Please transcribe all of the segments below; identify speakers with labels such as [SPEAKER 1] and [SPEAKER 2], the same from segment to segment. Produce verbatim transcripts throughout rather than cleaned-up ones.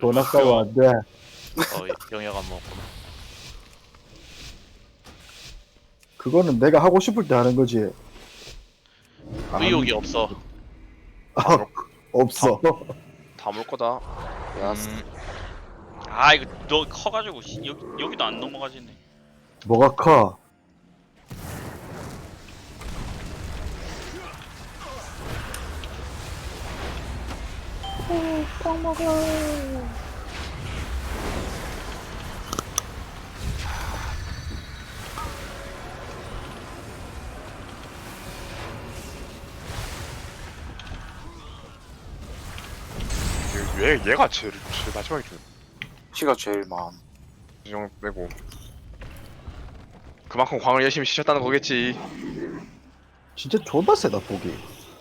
[SPEAKER 1] 돈 아까워 안 돼.
[SPEAKER 2] 어 영역 안 먹었구나.
[SPEAKER 1] 그거는 내가 하고 싶을 때 하는 거지.
[SPEAKER 2] 의욕이 없어.
[SPEAKER 1] 아, 없어.
[SPEAKER 3] 다 물 거다. 야,
[SPEAKER 2] 음. 아 이거 너 커가지고 씨, 여기 여기도 안 넘어가지네.
[SPEAKER 1] 뭐가 커?
[SPEAKER 3] 얘, 얘- 얘가 제일, 제일 마지막에 좀
[SPEAKER 4] 피가 제일 많.
[SPEAKER 3] 인정 빼고. 그만큼 광을 열심히 치셨다는 거겠지.
[SPEAKER 1] 진짜 존나 세다 보기.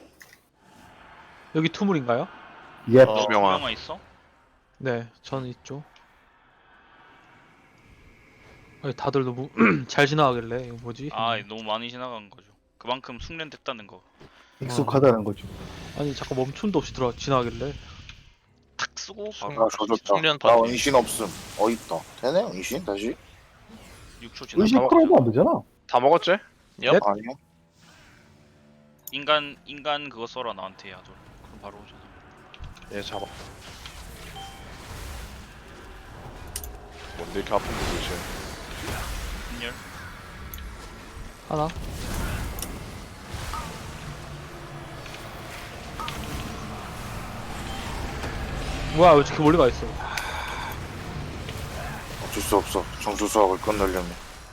[SPEAKER 5] 여기 투물인가요?
[SPEAKER 1] 예.
[SPEAKER 2] 어,
[SPEAKER 3] 투명화.
[SPEAKER 2] 투명화 있어?
[SPEAKER 5] 네, 저는 있죠. 아니, 다들 너무 잘 지나가길래 이거 뭐지?
[SPEAKER 2] 아 너무 많이 지나간 거죠. 그만큼 숙련됐다는 거.
[SPEAKER 1] 익숙하다는 거죠.
[SPEAKER 5] 아니 잠깐 멈춤도 없이 들어 지나가길래
[SPEAKER 2] 탁 쓰고 바로
[SPEAKER 4] 나 조졌다.
[SPEAKER 2] 숙련
[SPEAKER 4] 나
[SPEAKER 2] 받지.
[SPEAKER 4] 은신 없음. 어있다. 되네 은신 다시?
[SPEAKER 2] 육 초 지나.
[SPEAKER 1] 의식 끌어도 안 되잖아.
[SPEAKER 3] 다 먹었지?
[SPEAKER 2] 얍.
[SPEAKER 4] 아니야.
[SPEAKER 2] 인간 인간 그거 써라 나한테 야도. 그럼 바로 오잖아.
[SPEAKER 3] 얘 잡아. 뭔데 이렇게 아픈데 도대체.
[SPEAKER 2] 분열.
[SPEAKER 5] 하나. 뭐야 왜 이렇게 멀리 가 있어?
[SPEAKER 4] 어쩔 수 없어. 정수 수학을 끝내려면.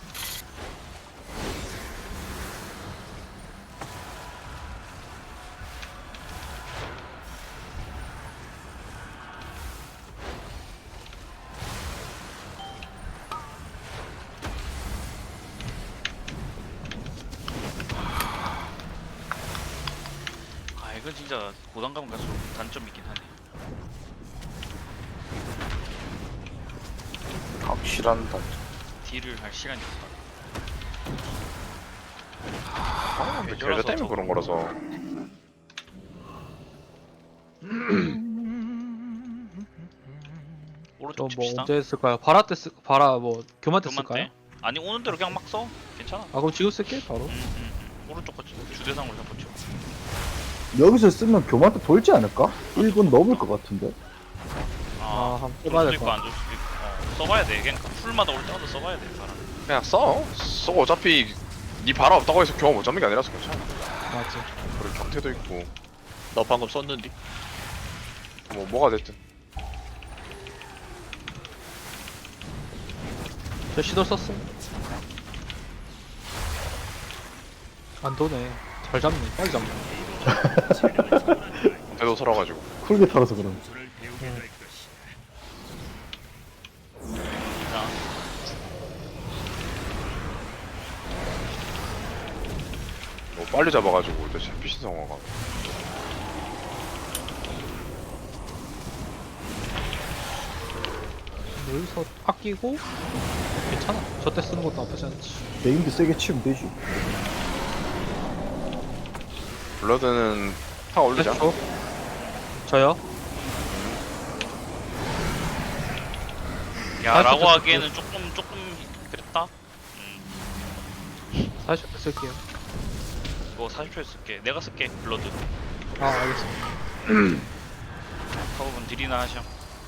[SPEAKER 2] 아 이건 진짜 고단감 갈수록 단점이긴 하네.
[SPEAKER 4] 확실한다.
[SPEAKER 2] 딜을 할 시간이 없다.
[SPEAKER 3] 아, 근데 계좌 때문에 그런 거라서.
[SPEAKER 2] 오른쪽
[SPEAKER 5] 저뭐
[SPEAKER 2] 칩시다.
[SPEAKER 5] 언제 쓸까요? 바라 때 쓸, 바라 뭐 교만 때
[SPEAKER 2] 그만
[SPEAKER 5] 쓸까요?
[SPEAKER 2] 때. 아니 오는 대로 그냥 막 써. 괜찮아.
[SPEAKER 5] 아 그럼 지금 쓸게 바로.
[SPEAKER 2] 음, 음, 음. 오른쪽 거 주대상으로 잡고 쳐.
[SPEAKER 1] 여기서 쓰면 교마한테 돌지 않을까? 일 분 넘을 것 같은데.
[SPEAKER 5] 아,
[SPEAKER 2] 아,
[SPEAKER 5] 한번
[SPEAKER 2] 줄
[SPEAKER 5] 써봐야
[SPEAKER 2] 수도
[SPEAKER 5] 될
[SPEAKER 2] 있고
[SPEAKER 5] 것
[SPEAKER 2] 안 줄 수도 있고. 어, 써봐야 돼. 그냥 풀마다 올 때마다 써봐야 돼. 사람.
[SPEAKER 3] 그냥 써. 써. 어차피 니 바라 없다고 해서 경험 못 잡는 게 아니라서 괜찮아.
[SPEAKER 5] 맞지.
[SPEAKER 3] 그리고 경태도 있고.
[SPEAKER 2] 너 방금 썼는데?
[SPEAKER 3] 뭐 뭐가 됐든.
[SPEAKER 5] 저 시도 썼어. 안 도네. 잘 잡네. 빨리 잡네.
[SPEAKER 3] 경태도 살아가지고.
[SPEAKER 1] 쿨게 털어서 그런.
[SPEAKER 2] 자,
[SPEAKER 3] 뭐 빨리 잡아가지고 이제 잡히신 상황가.
[SPEAKER 5] 여기서 아끼고 괜찮아. 저 때 쓰는 것도 나쁘지 않지.
[SPEAKER 1] 네임드 세게 치면 되지.
[SPEAKER 3] 블러드는 타 올리자.
[SPEAKER 5] 저? 저요?
[SPEAKER 2] 야라고
[SPEAKER 5] 아,
[SPEAKER 2] 하기에는 조금 조금 그랬다. 음,
[SPEAKER 5] 사십 초 쓸게요.
[SPEAKER 2] 이거 사십 초에 쓸게. 내가 쓸게. 블러드.
[SPEAKER 5] 아 알겠습니다.
[SPEAKER 2] 하고분 딜이나 하셔.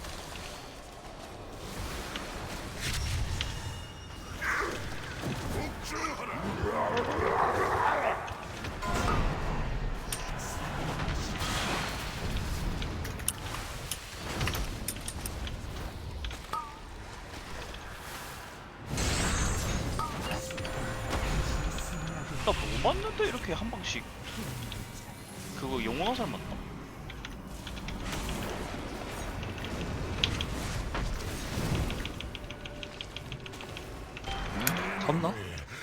[SPEAKER 2] 나 뭐 맞는데 이렇게 한 방씩 그거 영혼 화살 맞나?
[SPEAKER 5] 잡나?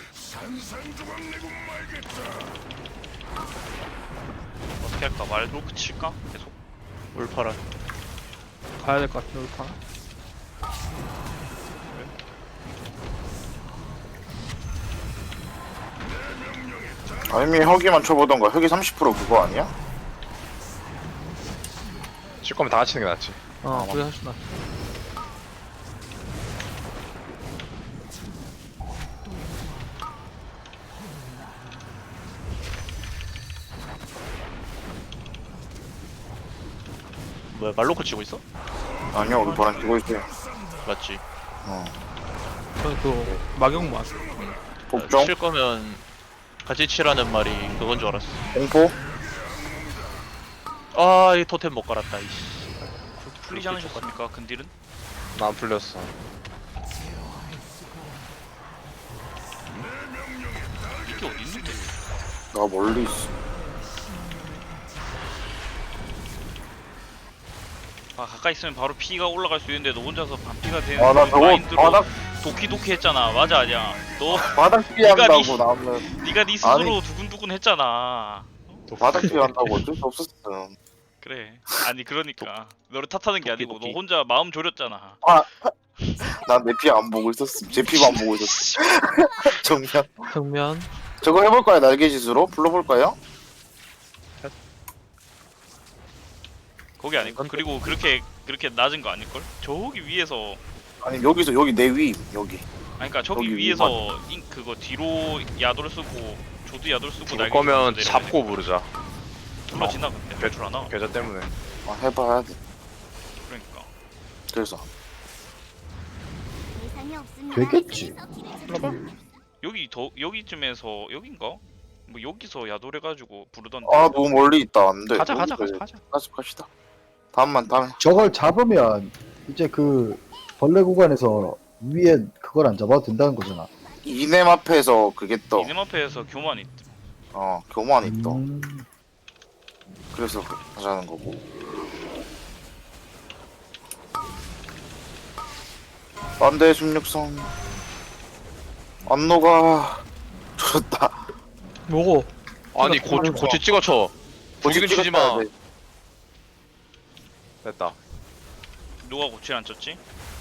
[SPEAKER 2] 어떻게 할까? 말도 그칠까? 계속 울파라.
[SPEAKER 5] 가야 될 것 같은데 울파.
[SPEAKER 4] 아니면 혁이만 쳐보던가. 혁이 삼십 퍼센트 그거 아니야?
[SPEAKER 3] 칠 거면 다 같이 치는 게 낫지.
[SPEAKER 5] 어
[SPEAKER 4] 아,
[SPEAKER 5] 그게 훨씬 낫.
[SPEAKER 2] 뭐야 말로코 치고 있어?
[SPEAKER 4] 아니요 우리 보랑 끼고 있어요.
[SPEAKER 2] 맞지.
[SPEAKER 4] 어.
[SPEAKER 5] 저는 그 막용만.
[SPEAKER 4] 복종
[SPEAKER 2] 칠 거면 같이 치라는 말이 그건 줄 알았어.
[SPEAKER 4] 공포
[SPEAKER 2] 아, 이 토템 못 갈았다. 이씨. 풀리지 않으셨습니까? 근딜은?
[SPEAKER 3] 나 안 풀렸어.
[SPEAKER 2] 이게 어디 있는데?
[SPEAKER 4] 나 멀리 있어.
[SPEAKER 2] 아, 가까이 있으면 바로 피가 올라갈 수 있는데 너 혼자서 반피가 되는
[SPEAKER 4] 아 나
[SPEAKER 2] 그
[SPEAKER 4] 저거
[SPEAKER 2] 마인드로
[SPEAKER 4] 바닥
[SPEAKER 2] 도키도키 했잖아. 맞아 아니야? 너
[SPEAKER 4] 바닥 피한다고
[SPEAKER 2] 니-
[SPEAKER 4] 나는
[SPEAKER 2] 네가 네 스스로 두근두근 했잖아.
[SPEAKER 4] 바닥 피한다고 어쩔 수 없었음.
[SPEAKER 2] 그래. 아니 그러니까 너를 탓하는 게
[SPEAKER 5] 도끼,
[SPEAKER 2] 아니고 너
[SPEAKER 5] 도끼.
[SPEAKER 2] 혼자 마음 졸였잖아.
[SPEAKER 4] 난 내 피 안 보고 있었음. 제 피만 보고 있었음. 정면.
[SPEAKER 5] 정면.
[SPEAKER 4] 저거 해볼까요? 날개짓으로 불러볼까요?
[SPEAKER 2] 거기 아닐걸? 그리고 그렇게 그렇게 낮은 거 아닐걸? 저기 위에서
[SPEAKER 4] 아니 여기서 여기 내 위 여기.
[SPEAKER 2] 아니 그니까 저기
[SPEAKER 4] 여기
[SPEAKER 2] 위에서 인, 그거 뒤로 야도를 쓰고 조드 야도를 쓰고
[SPEAKER 3] 죽을 거면 잡고 부르자.
[SPEAKER 2] 불러지나 근데 할 줄 아나?
[SPEAKER 3] 계좌 때문에.
[SPEAKER 4] 아 해봐야 돼.
[SPEAKER 2] 그러니까
[SPEAKER 4] 그래서
[SPEAKER 1] 되겠지.
[SPEAKER 2] 여기 더 여기쯤에서 여긴가? 뭐 여기서 야도를 해가지고 부르던데.
[SPEAKER 4] 아 너무 멀리 있다 안돼.
[SPEAKER 5] 가자 가자 가자 가자.
[SPEAKER 4] 가자 갑시다. 다음만 다음에.
[SPEAKER 1] 저걸 잡으면 이제 그 벌레 구간에서 위에 그걸 안 잡아도 된다는 거잖아.
[SPEAKER 4] 이넴 앞에서 그게 떠.
[SPEAKER 2] 이름 앞에서 교만 있.
[SPEAKER 4] 어 교만이 떠.
[SPEAKER 1] 음,
[SPEAKER 4] 그래서 하자는 거고. 안돼 십육성. 안노가 좋다.
[SPEAKER 5] 뭐고?
[SPEAKER 3] 아니
[SPEAKER 5] 찍어,
[SPEAKER 3] 고
[SPEAKER 5] 찍어.
[SPEAKER 3] 고치 찍어쳐. 죽이긴 치지 마.
[SPEAKER 4] 찍었다, 네.
[SPEAKER 3] 됐다.
[SPEAKER 2] 누가 고칠 안 쳤지?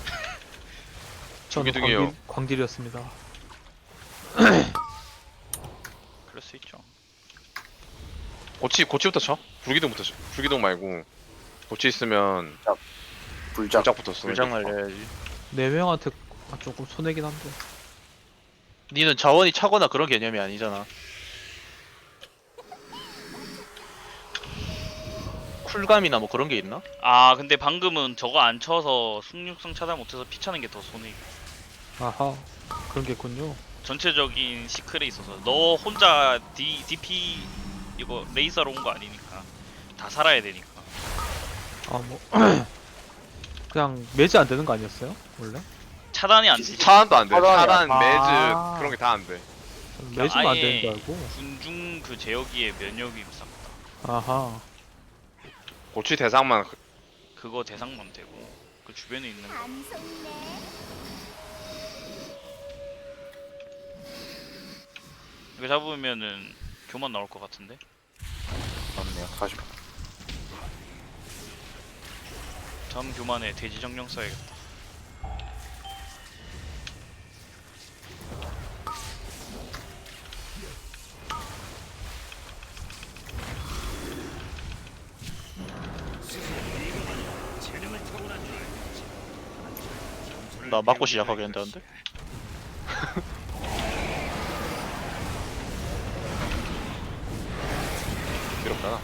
[SPEAKER 5] 저는
[SPEAKER 3] 중기둥이에요.
[SPEAKER 5] 광딜, 광딜이었습니다.
[SPEAKER 2] 그럴 수 있죠.
[SPEAKER 3] 고치 고치부터 쳐. 불기둥부터 쳐. 불기둥 말고 고치 있으면
[SPEAKER 4] 불작.
[SPEAKER 3] 불작부터 써.
[SPEAKER 2] 불장 날려야지.
[SPEAKER 5] 네 명한테 아, 조금 손해긴 한데.
[SPEAKER 2] 니는 자원이 차거나 그런 개념이 아니잖아. 쿨감이나 뭐 그런 게 있나? 아 근데 방금은 저거 안 쳐서 숙육성 차단 못해서 피 차는 게 더 손해.
[SPEAKER 5] 아하 그런 게 있군요.
[SPEAKER 2] 전체적인 시크에 있어서 너 혼자 D, 디피 이거 레이서로 온 거 아니니까 다 살아야 되니까.
[SPEAKER 5] 아 뭐 그냥 매지 안 되는 거 아니었어요? 원래?
[SPEAKER 2] 차단이 안 되지.
[SPEAKER 3] 차단도 안 돼.
[SPEAKER 4] 차단이야.
[SPEAKER 3] 차단,
[SPEAKER 5] 아.
[SPEAKER 3] 매즈 그런 게 다 안 돼.
[SPEAKER 5] 저는 매지만 안
[SPEAKER 2] 아예
[SPEAKER 5] 되는 줄 알고.
[SPEAKER 2] 군중 그 제어기에 면역이 싹다
[SPEAKER 5] 아하
[SPEAKER 3] 고치 대상만 그-
[SPEAKER 2] 그거 대상만 되고 그 주변에 있는 거. 이거 잡으면은 교만 나올 것 같은데.
[SPEAKER 4] 맞네요. 사십.
[SPEAKER 2] 다음 교만에 돼지 정령 써야겠다. 나 맞고 시작하겠는데?
[SPEAKER 3] 괴롭잖아.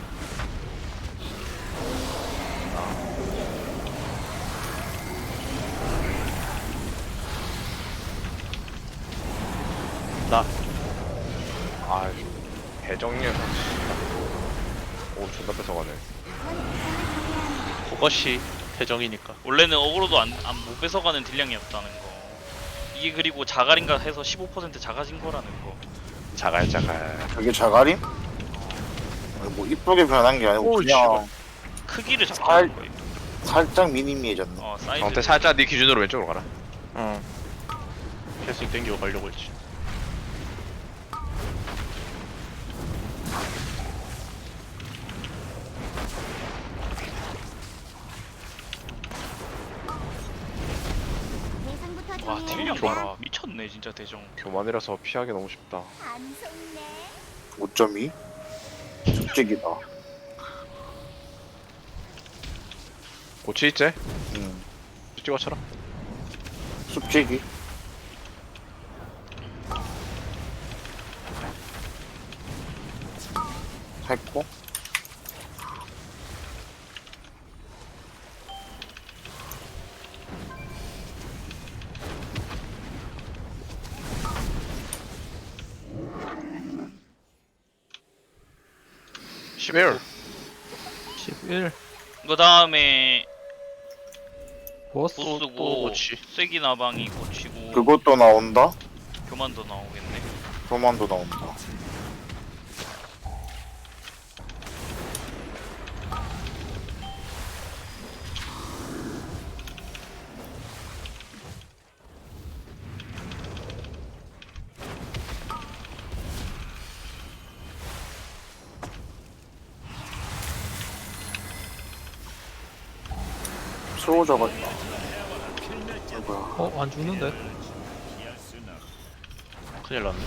[SPEAKER 2] 나
[SPEAKER 3] 아, 대정령. 오, 존나 뺏어가네.
[SPEAKER 2] 그것이 태정이니까. 원래는 어그로도 안, 안 못 뺏어가는 딜량이었다는 거. 이게 그리고 자갈인가 해서 십오 퍼센트 작아진 거라는 거.
[SPEAKER 3] 자갈 자갈.
[SPEAKER 4] 그게 자갈임? 아니, 뭐 이쁘게 변한 게 아니고
[SPEAKER 2] 오,
[SPEAKER 4] 그냥
[SPEAKER 2] 크기를 잡자는 거예요.
[SPEAKER 4] 살짝 미니미해졌네.
[SPEAKER 2] 어 사이즈.
[SPEAKER 3] 정태 살짝 네 기준으로 왼쪽으로 가라.
[SPEAKER 2] 응. 캐스팅 땡기고 가려고 했지. 와 딜량 봐라. 미쳤네 진짜 대정.
[SPEAKER 3] 교만이라서 피하기 너무 쉽다.
[SPEAKER 4] 오 점 이? 축제기다.
[SPEAKER 3] 고치 있지?
[SPEAKER 4] 음.
[SPEAKER 3] 찍어쳐라.
[SPEAKER 4] 숲지기. 했고.
[SPEAKER 3] 십일.
[SPEAKER 5] 십일.
[SPEAKER 2] 그 다음에
[SPEAKER 5] 보스.
[SPEAKER 3] 또
[SPEAKER 2] 보스고
[SPEAKER 3] 고치.
[SPEAKER 2] 쐐기 나방이 고치고
[SPEAKER 4] 그것도 나온다?
[SPEAKER 2] 교만도 나오겠네.
[SPEAKER 4] 교만도 나온다. 수호자가 있다. 뭐야?
[SPEAKER 5] 어, 안 죽는데?
[SPEAKER 3] 큰일 났네.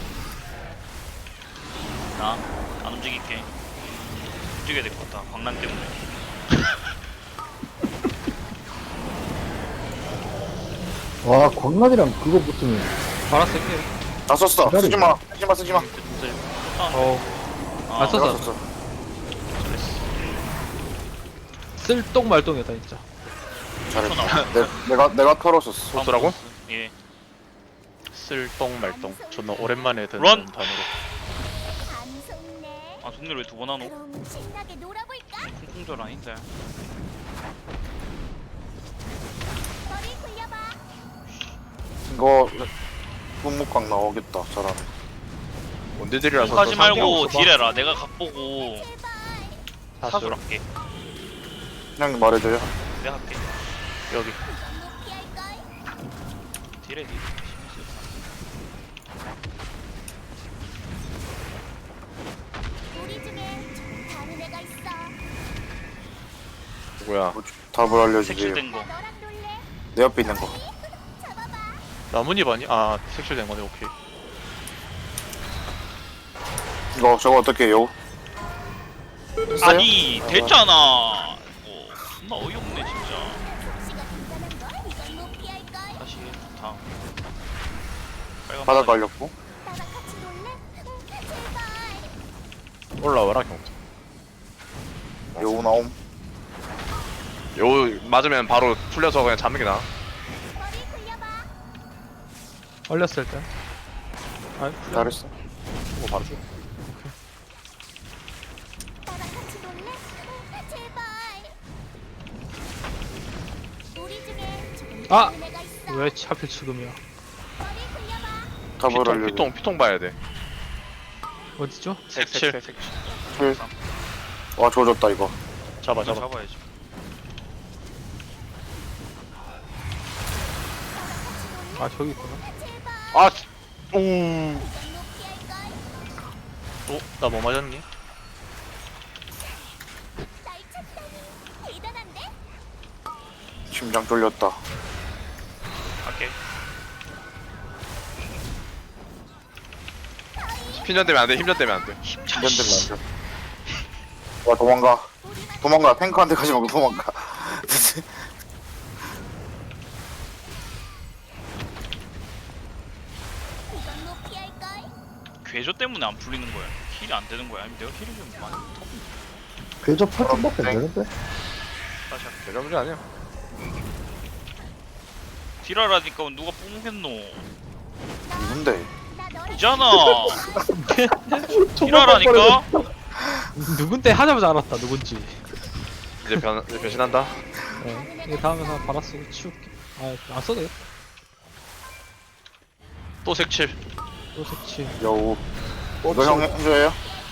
[SPEAKER 2] 나 안 움직일게. 움직여야 될 것 같다. 광란 때문에.
[SPEAKER 1] 와 광란이랑 그거 붙으면
[SPEAKER 5] 바라 쓸게요.
[SPEAKER 4] 다 썼어.
[SPEAKER 1] 기다려.
[SPEAKER 4] 쓰지마. 쓰지마. 쓰지마.
[SPEAKER 5] 어,
[SPEAKER 2] 아,
[SPEAKER 5] 안 썼어.
[SPEAKER 4] 내가 썼어.
[SPEAKER 5] 쓸똥말똥이었다, 진짜.
[SPEAKER 4] 잘했어. 내, 내가 내가 털었었어.
[SPEAKER 3] 소스라고?
[SPEAKER 2] 예.
[SPEAKER 6] 쓸똥 말똥 존나 오랜만에 듣는
[SPEAKER 2] 런!
[SPEAKER 6] 단어로.
[SPEAKER 7] 안 속네.
[SPEAKER 2] 아 동료를 왜 두 번 하노?
[SPEAKER 7] 그럼 신나게 놀아볼까?
[SPEAKER 2] 쿵쿵절 아닌데.
[SPEAKER 7] 머리 굴려봐.
[SPEAKER 4] 이거 분무광 나오겠다. 잘하네.
[SPEAKER 3] 원딜들이라서
[SPEAKER 2] 하지
[SPEAKER 3] 또
[SPEAKER 2] 말고
[SPEAKER 3] 상관없어 봐.
[SPEAKER 2] 딜해라. 내가 각보고
[SPEAKER 7] 제발.
[SPEAKER 2] 사술 할게.
[SPEAKER 4] 그냥 말해줘요.
[SPEAKER 2] 내가 할게.
[SPEAKER 6] 여기
[SPEAKER 7] 이건 못 피할걸?
[SPEAKER 2] 딜해 딜.
[SPEAKER 7] 우리 중에 좀 다른 애가 있어.
[SPEAKER 3] 누구야?
[SPEAKER 4] 뭐, 답을 알려주세요.
[SPEAKER 2] 색칠된 거.
[SPEAKER 7] 나 너랑 놀래?
[SPEAKER 4] 내 옆에 있는 거.
[SPEAKER 7] 잡아봐.
[SPEAKER 6] 나뭇잎 아니? 아 색칠된 거네. 오케이.
[SPEAKER 4] 이거 저거 어떻게 해요? 했어요?
[SPEAKER 2] 아니 됐잖아. 뭐 존나 어이없네 진짜.
[SPEAKER 7] 시가 간단한 걸 이건 못 피할걸?
[SPEAKER 2] 다시 다음. 빨간
[SPEAKER 4] 바닥
[SPEAKER 2] 바닥.
[SPEAKER 4] 깔렸고.
[SPEAKER 7] 나랑 같이 놀래? 응, 제발.
[SPEAKER 3] 올라와라 경태.
[SPEAKER 4] 여우 나옴.
[SPEAKER 3] 요 맞으면 바로 풀려서 그냥 잡는 게 나아.
[SPEAKER 7] 머리 굴려봐.
[SPEAKER 5] 얼렸을 때. 아,
[SPEAKER 4] 잘했어.
[SPEAKER 3] 이거 바로 줘.
[SPEAKER 7] 나랑 같이 놀래? 응, 제발. 우리 중에 조금
[SPEAKER 5] 아!
[SPEAKER 7] 다른 애가 있어.
[SPEAKER 5] 왜 하필 지금이야?
[SPEAKER 7] 머리 굴려봐.
[SPEAKER 4] 답을
[SPEAKER 3] 피통
[SPEAKER 4] 알려줘.
[SPEAKER 3] 피통 피통 봐야 돼.
[SPEAKER 5] 어디죠?
[SPEAKER 6] 색칠
[SPEAKER 4] 와 조졌다 이거.
[SPEAKER 6] 잡아
[SPEAKER 2] 이거
[SPEAKER 6] 잡아.
[SPEAKER 2] 잡아야지.
[SPEAKER 5] 아, 저기 있구나.
[SPEAKER 7] 제발.
[SPEAKER 3] 아, 오.
[SPEAKER 7] 이건 못 피할걸?
[SPEAKER 6] 어? 나 뭐 맞았니?
[SPEAKER 7] 날 찾다니 대단한데?
[SPEAKER 4] 심장 쫄렸다.
[SPEAKER 2] 갈게.
[SPEAKER 3] 힘전 되면 안 돼. 힘전 되면 안 돼.
[SPEAKER 4] 힘들면 안 돼. 와 도망가. 도망가. 탱크한테 가지 말고 도망가.
[SPEAKER 7] 이건 못 피할걸?
[SPEAKER 2] 괴조 때문에 안 풀리는 거야. 힐이 안 되는 거야. 아니면 내가 힐이 좀 많이 더
[SPEAKER 1] 궤저 팔 점밖에 안 되는데?
[SPEAKER 2] 다시 할게.
[SPEAKER 3] 대전 문제 아니야.
[SPEAKER 2] 딜하라니까 누가 뽕겠노.
[SPEAKER 4] 누군데?
[SPEAKER 7] 나 너랑
[SPEAKER 2] 이잖아. 딜하라니까.
[SPEAKER 5] 누군데 하자마자 알았다, 누군지.
[SPEAKER 3] 이제 변 이제 변신한다.
[SPEAKER 5] 네. 이게 다음에 하나 바라 쓰고 치울게. 아, 안 써도 돼.
[SPEAKER 6] 또 색칠.
[SPEAKER 5] 또 색칠.
[SPEAKER 4] 여우. 이거 형 해줘요?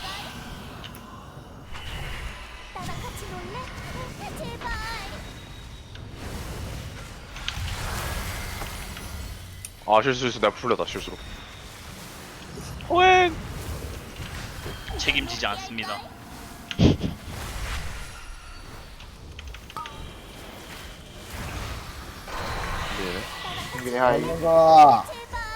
[SPEAKER 7] 나랑 같이 놀래? 응, 제발.
[SPEAKER 3] 아 실수했어. 내가 풀렸다 실수로.
[SPEAKER 2] 호행. 책임지지 않습니다.
[SPEAKER 3] 예.
[SPEAKER 4] 형균이 하이.
[SPEAKER 1] 뭔가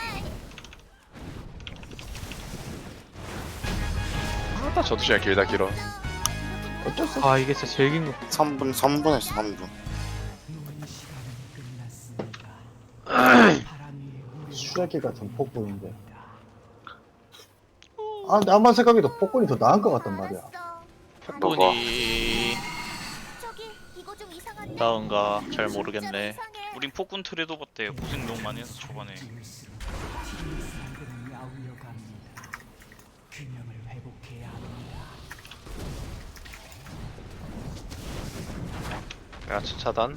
[SPEAKER 3] 아따 저도 시간 길다 길어.
[SPEAKER 1] 어쩔 수 없어.
[SPEAKER 5] 아, 이게 진짜 제일 긴 거.
[SPEAKER 4] 삼 분 삼 분 했어 삼 분.
[SPEAKER 1] 수레기 같은 폭군인데. 아, 근데 아무리 생각해도 폭군이 더 나은 것 같단 말이야.
[SPEAKER 7] 알았어.
[SPEAKER 6] 폭군이
[SPEAKER 7] 저기 이거 좀 이상한데.
[SPEAKER 6] 나은가 잘 모르겠네.
[SPEAKER 7] 진짜로 이상해.
[SPEAKER 2] 우린 폭군 트레이더 봤대요. 고생 너무 많이 해서 초반에.
[SPEAKER 3] 야 차단.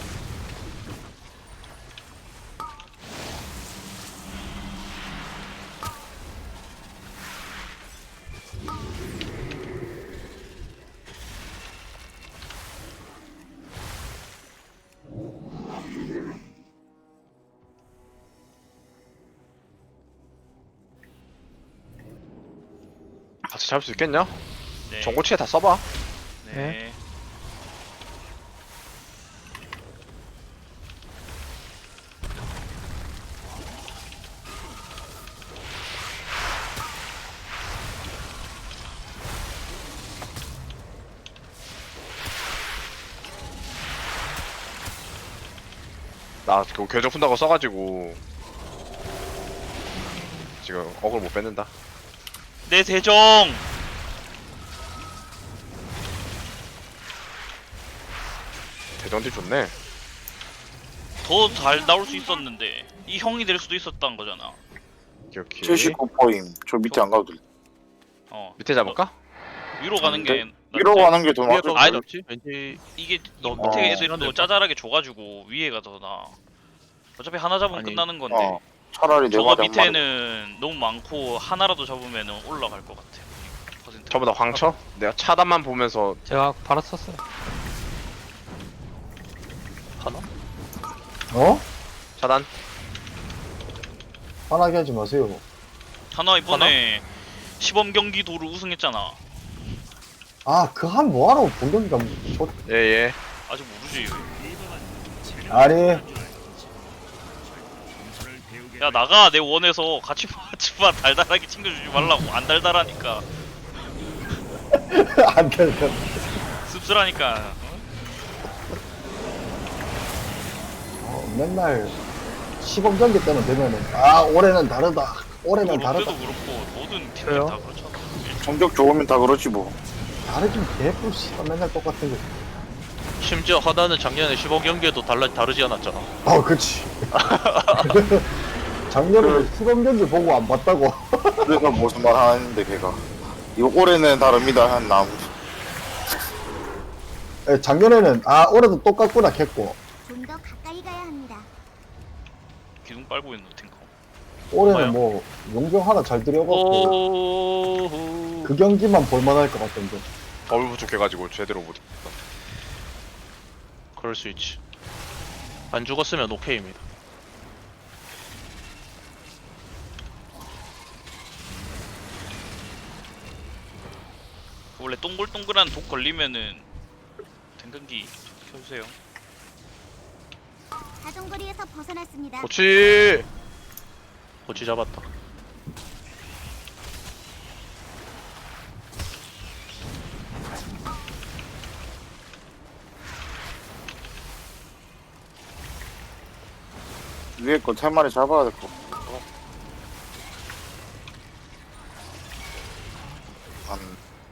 [SPEAKER 3] 같이 잡을 수 있겠냐?
[SPEAKER 2] 네.
[SPEAKER 3] 전고치에 다 써봐.
[SPEAKER 2] 네.
[SPEAKER 3] 나 그거 궤적 푼다고 써가지고 지금 어글 못 뺏는다.
[SPEAKER 2] 내 대정.
[SPEAKER 3] 대전딜 좋네.
[SPEAKER 2] 더 잘 나올 수 있었는데 이 형이 될 수도 있었던 거잖아.
[SPEAKER 3] 기억해.
[SPEAKER 4] 칠십구 포임. 저 밑에 안 가도 돼.
[SPEAKER 2] 어.
[SPEAKER 3] 밑에 잡을까?
[SPEAKER 2] 위로 가는 게 낫지.
[SPEAKER 4] 위로 가는 게 더
[SPEAKER 6] 위에
[SPEAKER 4] 맞을
[SPEAKER 6] 더
[SPEAKER 2] 아니,
[SPEAKER 4] 걸.
[SPEAKER 6] 잡지? 왠지
[SPEAKER 2] 이게
[SPEAKER 6] 너-
[SPEAKER 2] 밑에
[SPEAKER 4] 어,
[SPEAKER 2] 애들도
[SPEAKER 6] 시간
[SPEAKER 2] 짜잘하게 줘가지고 위에가 더 나. 어차피 하나 잡으면
[SPEAKER 6] 아니,
[SPEAKER 2] 끝나는 건데.
[SPEAKER 4] 어. 차라리
[SPEAKER 2] 저거
[SPEAKER 4] 내가 한 마리.
[SPEAKER 2] 밑에는 너무 많고 하나라도 잡으면 올라갈 것 같아. 퍼센트.
[SPEAKER 3] 전부 다 광쳐? 내가 차단만 보면서
[SPEAKER 5] 제가 바로 썼어요.
[SPEAKER 6] 하나?
[SPEAKER 1] 어?
[SPEAKER 3] 차단.
[SPEAKER 1] 화나게 하지 마세요.
[SPEAKER 2] 하나 이번에 시범 경기도를 우승했잖아.
[SPEAKER 1] 아, 그 한 뭐하러 본경기가 저...
[SPEAKER 3] 예예.
[SPEAKER 2] 아직 모르지.
[SPEAKER 1] 아니,
[SPEAKER 2] 야 나가 내 원에서 같이 봐, 같이 봐. 달달하게 챙겨주지 말라고. 안 달달하니까
[SPEAKER 1] 안 돼, 안 돼.
[SPEAKER 2] 씁쓸하니까. 어?
[SPEAKER 1] 어, 맨날 시범 경기 때는 되면은 아, 올해는 다르다. 올해는
[SPEAKER 2] 뭐 롯데도
[SPEAKER 1] 다르다.
[SPEAKER 2] 그렇고 모든 팀들
[SPEAKER 5] 그래요?
[SPEAKER 2] 다 그렇잖아.
[SPEAKER 4] 성적 좋으면 다 그렇지 뭐.
[SPEAKER 1] 다르긴 개뿔 씨발 맨날 똑같은 거.
[SPEAKER 6] 심지어 하나는 작년에 십오 경기에도 달라 다르지 않았잖아.
[SPEAKER 1] 아, 그치. 작년에 시범 경기 보고 안 봤다고.
[SPEAKER 4] 그래서 무슨 말 하는데 걔가. 이거 올해는 다릅니다 한 나무.
[SPEAKER 1] 예, 작년에는 아, 올해도 똑같구나 했고,
[SPEAKER 7] 좀 더 가까이 가야 합니다.
[SPEAKER 2] 기둥 빨고 있는 탱커.
[SPEAKER 1] 올해는 뭐 용병 하나 잘 들여갖고
[SPEAKER 6] 오호.
[SPEAKER 1] 그 경기만 볼만할 것 같던데.
[SPEAKER 3] 더블 부족해가지고 제대로 못.
[SPEAKER 6] 그럴 수 있지. 안 죽었으면 오케이입니다.
[SPEAKER 2] 원래 동글동글한 독 걸리면은 댕근기 켜주세요.
[SPEAKER 7] 자전거리에서 벗어났습니다.
[SPEAKER 3] 그렇지.
[SPEAKER 6] 고치 잡았다.
[SPEAKER 4] 위에 거 세 마리 잡아야 될 거. 한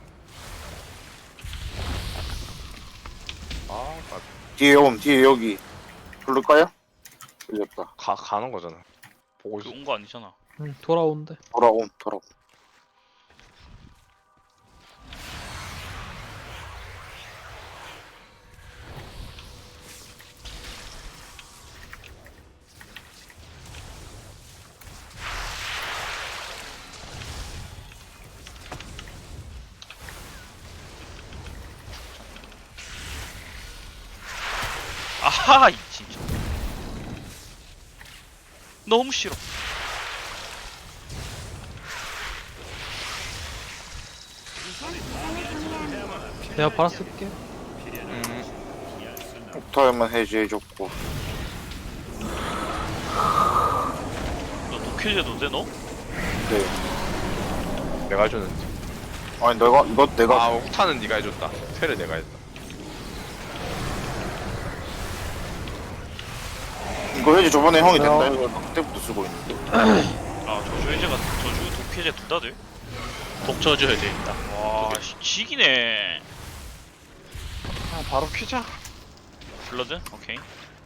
[SPEAKER 3] 아,
[SPEAKER 4] 뒤에 옴 뒤에 여기 부를까요? 들렸다.
[SPEAKER 3] 가 가는 거잖아. 보고 있어.
[SPEAKER 2] 온 거 아니잖아.
[SPEAKER 5] 응, 돌아온대.
[SPEAKER 4] 돌아옴 돌아옴.
[SPEAKER 2] 아하 이 진짜. 너무 싫어.
[SPEAKER 5] 내가 바로 쓸게.
[SPEAKER 6] 음,
[SPEAKER 4] 옥타임은 해제해줬고.
[SPEAKER 2] 너 독해제도 돼 너?
[SPEAKER 4] 네.
[SPEAKER 3] 내가 해줬는데.
[SPEAKER 4] 아니 내가 이거 내가
[SPEAKER 3] 아 옥타는 네가 해줬다. 퇴를 내가 했다.
[SPEAKER 4] 이거 해지 저번에 형이 된다 해서 그때부터 쓰고 있는데.
[SPEAKER 2] 아 저주 해제가 저주 도피 해제 둘 다 돼?
[SPEAKER 6] 독쳐줘야 됩니다.
[SPEAKER 2] 와 씨, 지기네.
[SPEAKER 3] 아, 바로 키자.
[SPEAKER 2] 블러드? 오케이.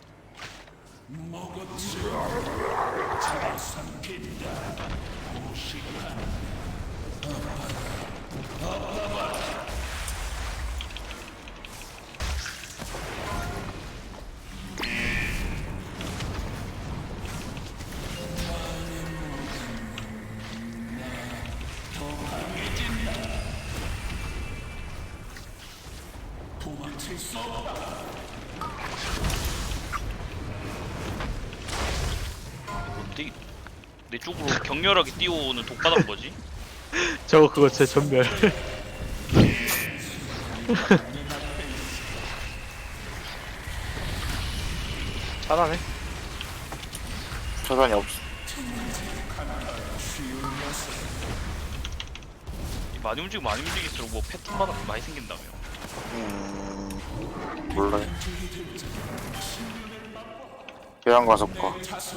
[SPEAKER 2] 뭔데? 내 쪽으로 격렬하게 뛰어오는 독바닥 뭐지?
[SPEAKER 5] 저거 그거 제 전멸.
[SPEAKER 3] 잘하네.
[SPEAKER 4] 차단이 없어.
[SPEAKER 2] 많이 움직이고 많이 움직일수록 뭐 패턴마다 많이 생긴다며.
[SPEAKER 4] 음 몰라요. 계양 가서 가.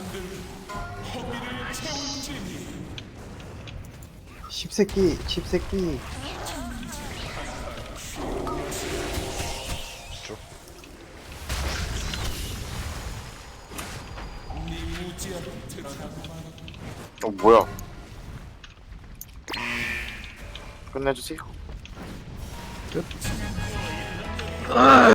[SPEAKER 1] 십새끼 십새끼.
[SPEAKER 4] 어 뭐야? 끝내주세요.